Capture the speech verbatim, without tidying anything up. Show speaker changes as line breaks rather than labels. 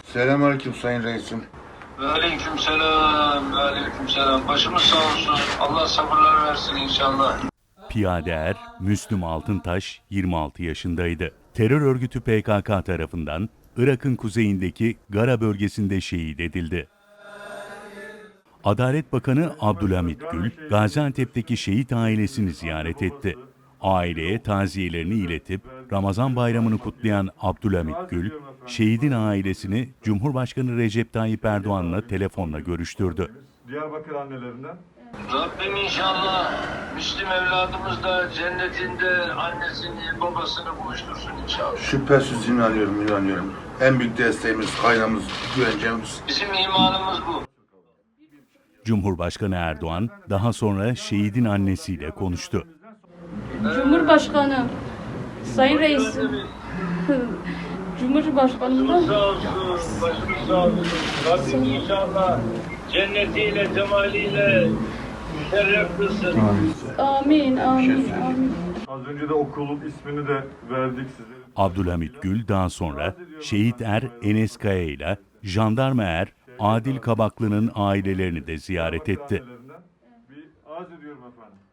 Selamünaleyküm Sayın Reisim.
Ve aleykümselam, ve aleykümselam. Başımız sağ olsun. Allah sabırlar versin inşallah.
Piyade er Müslüm Altıntaş yirmi altı yaşındaydı. Terör örgütü P K K tarafından Irak'ın kuzeyindeki Gara bölgesinde şehit edildi. Adalet Bakanı Abdülhamit Gül, Gaziantep'teki şehit ailesini ziyaret etti. Aileye taziyelerini iletip Ramazan bayramını kutlayan Abdülhamit Gül, şehidin ailesini Cumhurbaşkanı Recep Tayyip Erdoğan'la telefonla görüştürdü.
Diyarbakır annelerinden.
Rabbim inşallah Müslüm evladımız da cennetinde annesini, babasını buluştursun inşallah.
Şüphesiz inanıyorum, inanıyorum. En büyük desteğimiz, kaynağımız, güvencemiz.
Bizim imanımız bu.
Cumhurbaşkanı Erdoğan daha sonra şehidin annesiyle konuştu.
Cumhurbaşkanı, Sayın Reisim, Cumhurbaşkanımdan
Sağ olsun, başımız sağ olsun. Rabbim inşallah cennetiyle, cemaliyle müşerref kılsın.
amin, amin, amin.
Az önce de okulun ismini de verdik size.
Abdülhamit Gül daha sonra şehit er Enes Kaya ile jandarma er Adil Kabaklı'nın ailelerini de ziyaret etti.
Bir arz ediyorum efendim.